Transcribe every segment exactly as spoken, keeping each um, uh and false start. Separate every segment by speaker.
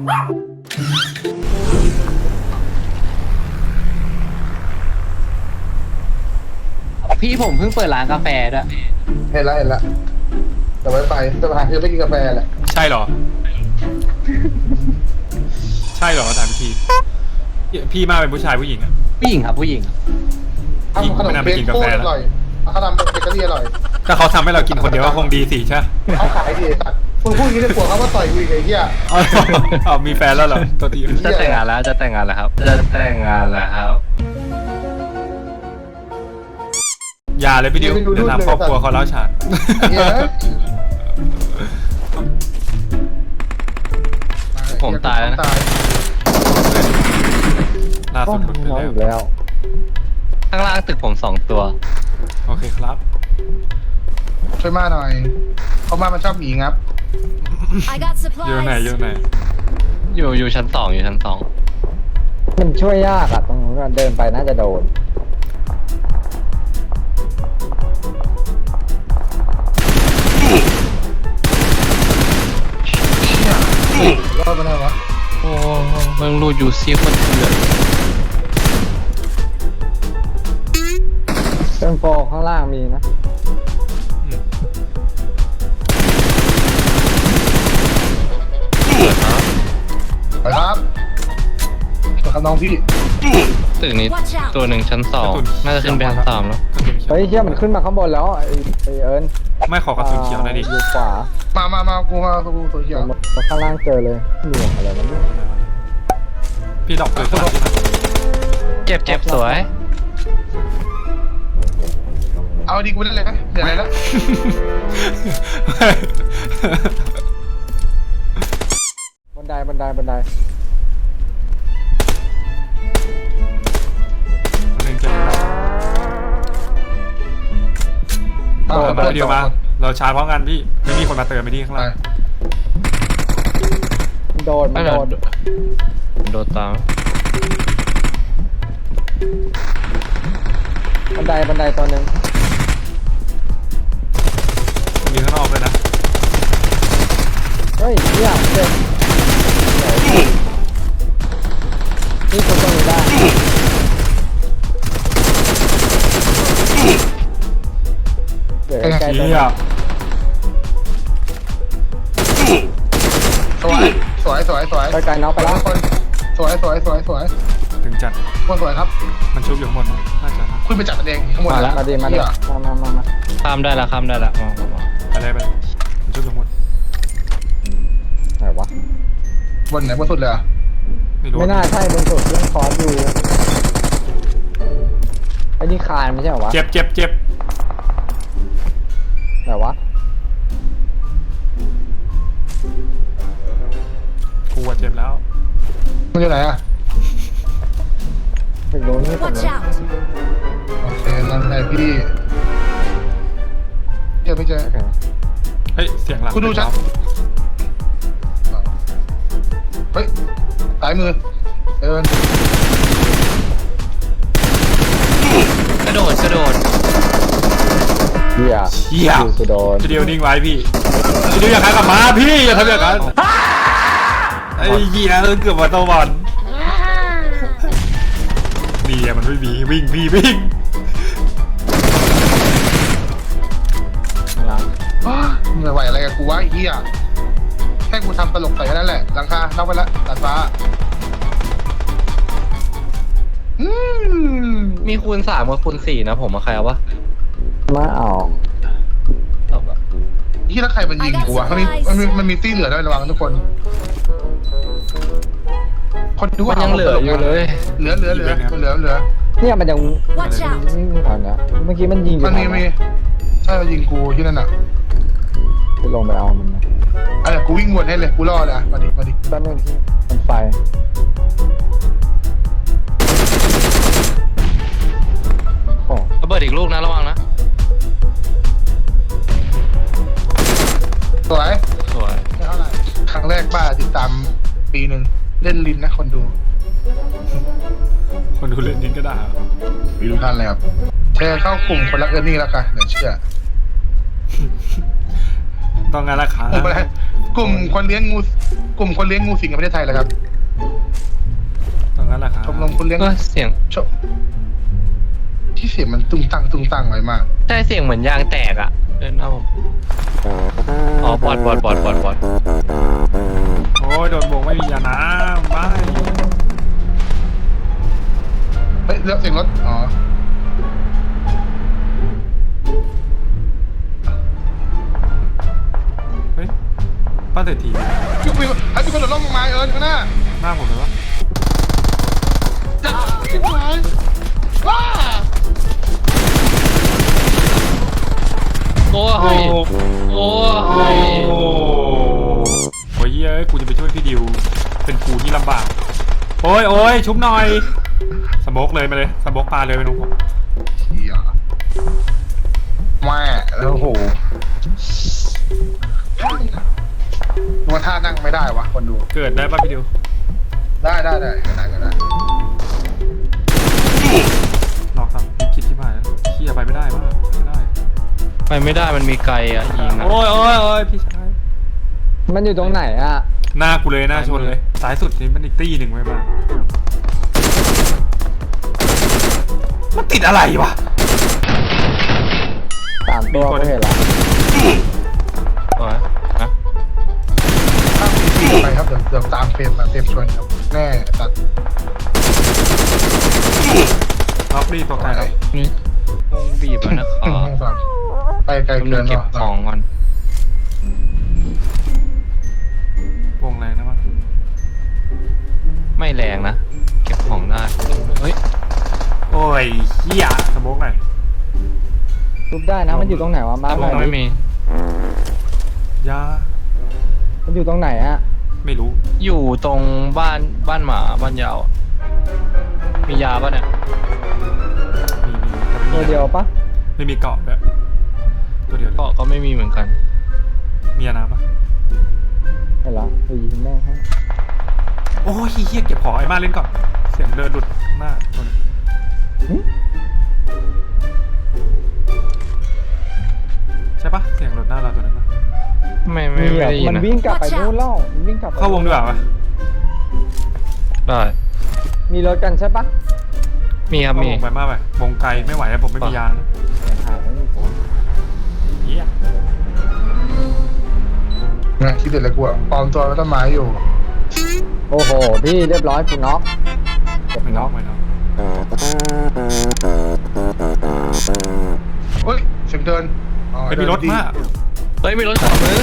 Speaker 1: พี่ผมเพิ่งเปิดร้านกาแฟด้วย
Speaker 2: เห็นแล้วเห็นแล้วแต่ไว้ไปแต่ปัญหาคือไม่กินกาแฟแหละ
Speaker 3: ใช่เหรอ ใช่เหรอถามพี่พี่มาเป็นผู้ชายผู้หญิงอะ
Speaker 1: ผู้หญิงครับผู้หญิง
Speaker 2: ทำขนมเค้กโคตรอร่อยเขาทำเบเกอรี่อร่อย
Speaker 3: ถ้าเขาทำให้เรากินคนเดียวก็คงดีสิใช่
Speaker 2: เขาขายดีสัตว์มึงพูดอย่างนี้ได้ผัวเขาว่าต่อยกูอีกไอ้เหี้ย
Speaker 3: อ๋อมีแฟนแล้วเหรอตัวดี
Speaker 1: จะแต่งงานแล้วจะแต่งงานแล้วครับจะแต่งงานแล้วครับ
Speaker 3: อย่าเลยพี่ดิวเดี๋ยวทำครอบครัวเขาเล่าฉาน
Speaker 1: ผมตายแล้วนะ
Speaker 3: ล่าสุดหลุดไปแล้ว
Speaker 1: ข้างล่างตึกผมสองตัว
Speaker 3: โอเคครับ
Speaker 2: ช่วยมาหน่อยเขามามันชอบหมีงับ
Speaker 3: อยู่ไหนอยู่ไหน
Speaker 1: อยู่อยู่ชั้นสองอยู่ชั้นสอง
Speaker 4: มันช่วยยากอะตรงนู้นเดินไปน่าจะโดน
Speaker 2: รอดมาได้วะ
Speaker 1: โอ้เมืองรูดอยู่ซีคนเถื่อน
Speaker 4: เติมโฟข้างล่างมีนะ
Speaker 2: ไปครับไปครับน้องพี่
Speaker 1: ตึกนี้ตัวหนึ่งชั้นสองน่าจะขึ้นไปชั้นสามแล้ว
Speaker 4: เฮ้ยเชี่ยมันขึ้นมาข้างบนแล้วไอ้ไอ้เอิญ
Speaker 3: ไม่ขอกระสุนเขียวหน่อยดิ
Speaker 4: อยู่ขวา
Speaker 2: มามามากูมากูตัวเขียว
Speaker 4: ข้างล่างเจอเลยหน่วงอะไรนั่น
Speaker 3: พี่ดอกเกิดขึ้น
Speaker 1: เจ็บเจ็บสวย
Speaker 2: เอาดีกูได้เลยนะเดี๋ยวอะไรแล้ว
Speaker 4: บันไดบันไดบันได
Speaker 3: เดี๋ยวมาเราชาร์จพร้อมกันพี่ไม่มีคนมาเติมไปที่ข้างล่าง
Speaker 4: โดนไม่โดน
Speaker 1: โดนตาม
Speaker 4: บันไดบันไดตัวหนึ่ง
Speaker 3: มีข้างนอกเลยนะ
Speaker 4: เฮ้ยเยี่ยมเจ๋งนี่ตัวตรงนี้ได้เดี๋ยวใกล้ตัว
Speaker 2: สวยสวยสวยสวย
Speaker 4: ไปไกลน้องไปแล้ว
Speaker 2: คนสวยสวยสวยสวย
Speaker 3: ถึงจัด
Speaker 2: คนสวยครับ
Speaker 3: มันชุบอยู่ข้างบนน่าจะ
Speaker 2: คุณไปจัดกันเองข้างบน
Speaker 4: มาแล้วมาดีมาดีมามามามา
Speaker 1: ข้ามได้ละข้ามได้ละ
Speaker 3: ไปเลยไปมันชุบอยู่ข้างบน
Speaker 4: ไหนวะ
Speaker 2: บนไหนบนสุดเลย
Speaker 4: ไม่น่าใช่บนสุดเรื่องคอร์สอยู่ไอ้นี่คานไม่ใช่เหรอวะ
Speaker 3: เจ็บเจ็บเจ็บ
Speaker 4: ไหนวะ
Speaker 3: กูเจ็บแล้ว
Speaker 2: มันอยู่ไหนอะ
Speaker 4: ไปโดนนี่ผมเลย
Speaker 2: โอเคนั่นไงพี่เจอไม่เจอ
Speaker 3: เฮ้ยเสียงหลัง
Speaker 2: คุณดูชัดเฮ้ยสายมือเอิญ
Speaker 1: กระโดดกระโดด
Speaker 4: เฮีย
Speaker 3: เฮีย
Speaker 4: จะโดน
Speaker 3: จะเดียวนิ่งไว้พี่จะเดียวอยากขายกับม้าพี่อย่าทำอย่างนั้นไอ้เหี้ยเกือบมาตะวันนี่มันไม่มีวิ่งพี่วิ่ง
Speaker 2: ไม่ไหวอะไรกับกูวะไอ้เหี้ยแค่กูทำตลกใส่แค่นั้นแหละหลังคาเข้าไปละตัดฟ้า
Speaker 1: มีคูณสามกับคูณสี่นะผมมาใครเอาวะ
Speaker 4: มาเอา
Speaker 2: ที่แล้วใครมันยิงกูวะมันมีมันมีมันมีตี้เหลือด้วยระวังทุกคนคนดูว่า
Speaker 1: ยังเหลืออยู่เลย
Speaker 2: เหลือเหลือเหลือเหลือเหลือ
Speaker 4: เนี่ยมันยังอ่านนะเมื่อกี้มันยิง
Speaker 2: มันมีมีใช่มันยิงกูที่นั่นอ่ะ
Speaker 4: ไปลงไปเอามันนะ
Speaker 2: อะไรกูวิ่งวนให้เลยกูรอดอ่ะมาดิมาดิ
Speaker 4: แป๊บนึงที่มันไฟ
Speaker 1: ระเบิดอีกลูกนะระวังนะ
Speaker 2: สวย
Speaker 1: สวย
Speaker 2: เท่าไหร่ครั้งแรกบ้าติดตามปีหนึ่งเล่นลินนะคนดู
Speaker 3: คนดูเล่นลินก็ได้
Speaker 2: ไปดูท่านเลยครับแชร์เข้ากลุ่มคนรักเอิร์นี่แล้วกันเดี๋ยวเชื่อ
Speaker 3: ต้องงานราคา
Speaker 2: กลุ่มคนเลี้ยงงูกลุ่มคนเลี้ยงงูสิงในประเทศไทยเหรอครับ
Speaker 3: ตรงนั้นแหละครับ
Speaker 2: ชมรมคนเลี้ยง
Speaker 1: ก็เสียง
Speaker 2: ชมที่เสียงมันตุ้งตังตุ้งตังไว้มาก
Speaker 1: ใช่เสียงเหมือนยางแตกอ่ะเดินหน้าผมอ๋อบอดบอดบอดบอดบอด
Speaker 3: โอ้ยโดนโบกไม่มียาน้ำไม่
Speaker 2: เฮ้ยเลือกเสียงรถอ๋อ
Speaker 3: เฮ้ยป้าเศรษฐี
Speaker 2: ยุบไปไอ้ที่คนโดดร่มลงมาเอิญข้างหน้า
Speaker 3: หน้าผมเลยวะ
Speaker 2: จ้าชิบหายว้า
Speaker 1: โอ้ยโอ้ย
Speaker 3: โอ้โหเฮ้ยกูจะไปช่วยพี่ดิวเป็นกูที่ลำบากโอ้ยโอ้ยชุบหน่อยสโมกเลยมาเลยสโมกปลาเลยไปนุ่มผม
Speaker 2: เฮียแม่แล้วโหว่าท่านั่งไม่ได้วะคนดู
Speaker 3: เกิดได้ป่ะพี่ดิว
Speaker 2: ได้ได้ได้ก็ได้ก็ได้
Speaker 3: นอกครับพี่คิดที่ผ่านเฮียไปไม่ได้มากไม่ได้
Speaker 1: ไปไม่ได้มันมีไกลอ่ะยิงอ่ะ
Speaker 3: โอ้ยโอ้ยโอ้ยพี่ชาย
Speaker 4: มันอยู่ตรงไหนอ่ะ
Speaker 3: หน้ากูเลยหน้าชนเลยสายสุดนี่มันอีกตี้หนึ่งไว้บ้างมันติดอะไรวะ
Speaker 4: สามตัวก็เห็นละ
Speaker 1: โอ้ยนะ
Speaker 2: ถ้ามีไปครับเดี๋ยวเดี๋ยวตามเฟรมมาเฟรมชวนครับแน่ตัด
Speaker 3: ล็อกนี่ตัวไกลแล้ว
Speaker 1: นี่วงบีบอ่ะนะขอ
Speaker 2: ห้องสามไปไกล
Speaker 1: กำ
Speaker 2: เกิ
Speaker 1: ลัง
Speaker 2: น
Speaker 1: เก็บ
Speaker 2: เนาะ
Speaker 1: ของก่อน
Speaker 3: วงแรงนะวะ
Speaker 1: ไม่แรงนะเก็บของได้เฮ้ย
Speaker 3: โอ้ยเฮียสโมกหน่อย
Speaker 4: ทุบได้นะมันอยู่ตรงไหนวะมา
Speaker 1: แต่
Speaker 4: ห
Speaker 1: ผ
Speaker 4: น่
Speaker 1: ม
Speaker 4: อย
Speaker 1: ไม่มี
Speaker 3: ยา
Speaker 4: มันอยู่ตรงไหนอ่ะ
Speaker 3: ไม่รู้
Speaker 1: อยู่ตรงบ้านบ้านหมาบ้านยาวอะมียาป่ะเนี่ย
Speaker 3: มีมีแต่ไม่
Speaker 4: ตัว
Speaker 3: มี
Speaker 4: เดียวปะ
Speaker 3: ไม่มีเกาะด้วยตัวเดียวเลย
Speaker 1: ก็ก็ไม่มีเหมือนกัน
Speaker 3: มียาน้ำปะ
Speaker 4: เห็นละไปยิงแม่งให้
Speaker 3: โอ้ยเฮียเก็บของไอ้มาเล่นก่อนเสียงเดินหลุดหน้าตัวนี้
Speaker 4: หึ
Speaker 3: ใช่ปะเสียงหลุดหน้าเราตัวนั้นปะ
Speaker 1: ไม่ไม่
Speaker 4: มี
Speaker 1: ไม่
Speaker 4: อ่ะ
Speaker 1: ได้ยิน
Speaker 4: มัน
Speaker 1: นะ
Speaker 4: วิ่งกลับไปนู่นแล้วมันวิ่งกลับไป
Speaker 3: เข้าวงดีกว่าปะ
Speaker 1: ได้
Speaker 4: มีรถกันใช่ปะ
Speaker 1: มีครับ
Speaker 3: เข้า
Speaker 1: มี
Speaker 3: วงไปมากไปวงไกลไม่ไหวแล้วผมไม่มียานะ
Speaker 4: เสียงหายแล้วนี่
Speaker 3: เฮีย
Speaker 2: นะคิดเด็ดเลยกูอะปลอมตัวเป็นต้นไม้อยู่
Speaker 4: โอ้โหพี่เรียบร้อยคุณน็อกเก็บ
Speaker 3: ไม่น็
Speaker 4: น็
Speaker 3: อ
Speaker 4: อก ก
Speaker 3: ไม่น็อก
Speaker 2: เฮ้ยเสียงเดินอ๋อ
Speaker 3: ไม่มีรถ
Speaker 2: เดินดี
Speaker 3: มาก
Speaker 1: เฮ้ยมีรถขวามือ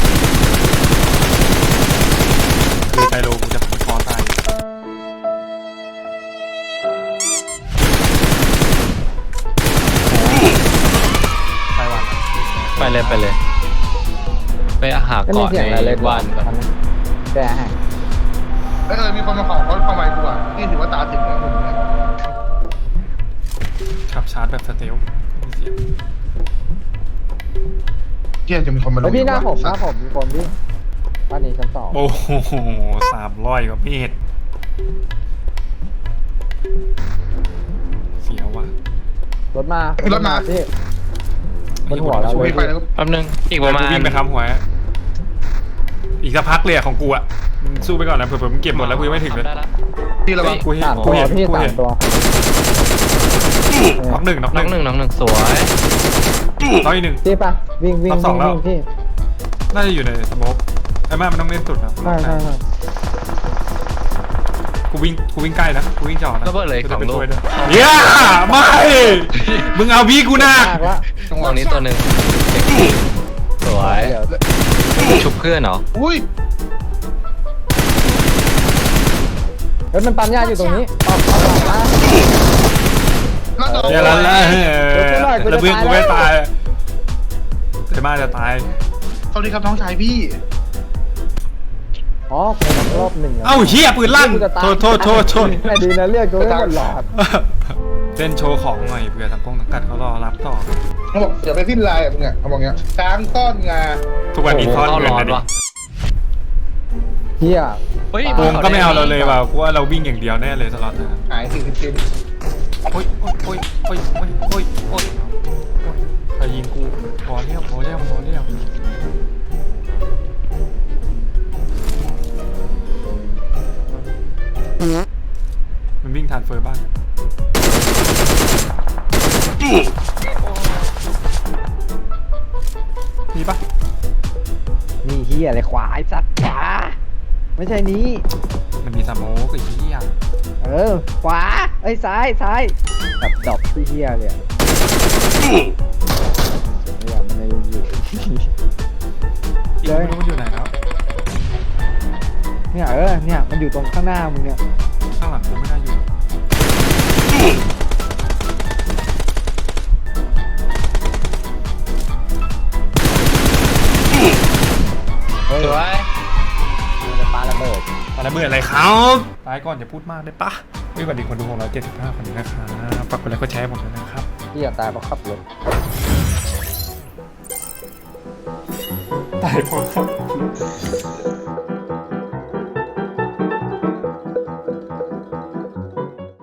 Speaker 3: คือไจโรกูจะคอตายไปวัน
Speaker 1: ไปเลยไปเลย ไปหา
Speaker 4: ก็มี
Speaker 1: เกาะ
Speaker 4: เสียง
Speaker 1: ใน
Speaker 4: อะไรเลย
Speaker 1: บ้านก่อน
Speaker 4: แกให้
Speaker 2: เอ้ยเออมีคนมาขอเขาเข้ามากูอ่ะนี่ถือว่าตาถึงแล้วผมเนี่ย
Speaker 3: ขับชาร์จแบบสเตลไม่มีเสียง
Speaker 2: เที่ยจะมีคนมาล
Speaker 4: แล้
Speaker 2: ง
Speaker 4: วพี่หน้าผมห
Speaker 2: สั
Speaker 4: น้า
Speaker 2: ตว์
Speaker 4: ผมมีคนพี่บ้านนี้ชั้นสอง
Speaker 3: โอ้โหสามร้อยกว่าเมตรเสียวว่ะ
Speaker 4: รถมาร
Speaker 2: ถมา
Speaker 4: พี่บนหัวเรา
Speaker 2: ช่ว
Speaker 4: เลย ย
Speaker 2: ไปแล้วก็
Speaker 1: แป๊บนึงอีกประมาณ
Speaker 3: วิ่งไปทำหัวอีกสักพักเลยอะของกูอะมึงสู้ไปก่อนนะเผื่อๆมึงเก็บหมดแล้วกูยังไม่ถึงเลย
Speaker 1: ได้ละ
Speaker 2: ที่ระวัง
Speaker 3: กูเห็น
Speaker 4: สาม
Speaker 3: กู
Speaker 4: ตัว
Speaker 3: เห็น
Speaker 4: พี่
Speaker 3: กู
Speaker 4: สา
Speaker 3: เห็
Speaker 4: ม
Speaker 3: น
Speaker 4: ตัว
Speaker 3: น็อกหนึ่งน็อกห
Speaker 1: น้องห
Speaker 3: นึ่
Speaker 1: นึ่
Speaker 3: ง
Speaker 1: งน้องหนึ่งสวย
Speaker 3: น็อกอีกหนึ่ง
Speaker 4: พี่ปะวิ่งวิ่ง
Speaker 3: รอบสอ
Speaker 4: วิ่
Speaker 3: ง
Speaker 4: ง
Speaker 3: แล้ว
Speaker 4: วิ่งพี่
Speaker 3: น่าจะอยู่ในสโมกไอ้แม่มันต้องเล่นสุดนะ
Speaker 4: ใช่ใช่ใช่
Speaker 3: กูวิ่งกูวิ่งใกล้นะกูวิ่งจอดนะ
Speaker 1: ระเบิดเลย
Speaker 3: กู
Speaker 1: ส
Speaker 3: จะ
Speaker 1: อง
Speaker 3: ไป
Speaker 1: ลู
Speaker 3: ช่
Speaker 1: ก
Speaker 3: วยด้วยเย้ไม่มึงเอาพี่กูหนัก
Speaker 4: มากละ
Speaker 2: จังห
Speaker 1: ต
Speaker 2: วะ
Speaker 1: รงนี้ตัวหนึ่งสวย
Speaker 4: เดี๋ยว
Speaker 1: ชุบเพื่อนเหรอ
Speaker 2: อุ้ย
Speaker 4: เฮ้ยมันปั๊มยาอยู่ตรงนี้ออกออกหลังมา
Speaker 2: แล้วโดน
Speaker 3: เดี๋ยวแล้วแล้วแล้วเพื่อนกูไม่ตายแต่มาจะตาย
Speaker 2: สวัสดีครับน้องชายพี่
Speaker 4: อ๋อคนรอบหนึ่งะ
Speaker 3: เอ้าเฮียปืนลั่น
Speaker 4: กูจะตาย
Speaker 3: โทษโทษโทษโทษ
Speaker 4: แต่ดีนะเรียกกูไม่หมดหลอด
Speaker 3: เล่นโชว์ของหน่อยเผื่อทางกงทางกัดเขารอรับต่อ
Speaker 2: เขาบอกอย่าไปสิ้นลายอ่ะมึงอ่ะเขาบอกเงี้ยช้างต้อนงา
Speaker 3: ทุกวันนี้ทอด
Speaker 1: เข้า
Speaker 3: เงิน
Speaker 1: ร้อน
Speaker 3: นะดิ
Speaker 1: วะ
Speaker 4: เฮีย
Speaker 1: เฮ้ย
Speaker 3: วงก็ไม่เอาเราเลยว่ะกูว่าเราวิ่งอย่างเดียวแน่เลยสล็อตนะ
Speaker 2: หายสี่สิบชิ้น
Speaker 3: โอ้ยโอ้ยโอ้ยโอ้ยโอ้ยโอ้ยโอ้ยใครยิงกูพอเรียวพอเรียวพอเรียวมีปะ
Speaker 4: นี่เฮียอะไรขวาไอ้สัตว์ขวาไม่ใช่นี้
Speaker 3: มันมีสโมกไอ้เหี้ย
Speaker 4: เออขวาเอ้ยซ้ายซ้ายแบบดรอปที่เฮียเลยอะเนี่ยมันเลยอยู่
Speaker 3: อีกไม่รู้มันอยู่ไหนแล้ว
Speaker 4: เนี่ยเออเนี่ยมันอยู่ตรงข้างหน้ามึงเนี่ย
Speaker 3: ข้างหลังกูไม่น่าอยู่
Speaker 4: เฮ้ย
Speaker 1: สวย
Speaker 4: มันจะปาระเบิด
Speaker 3: อะไรเบื่ออะไรครับตายก่อนอย่าพูดมากได้ปะวิบัติคนดูของเราเจ็ดสิบห้าคนนี้นะครับฝากกดไลค์กดแชร์ผมด้วยนะครับ
Speaker 4: เฮียตายเพราะขับรถ
Speaker 3: ตายเพราะ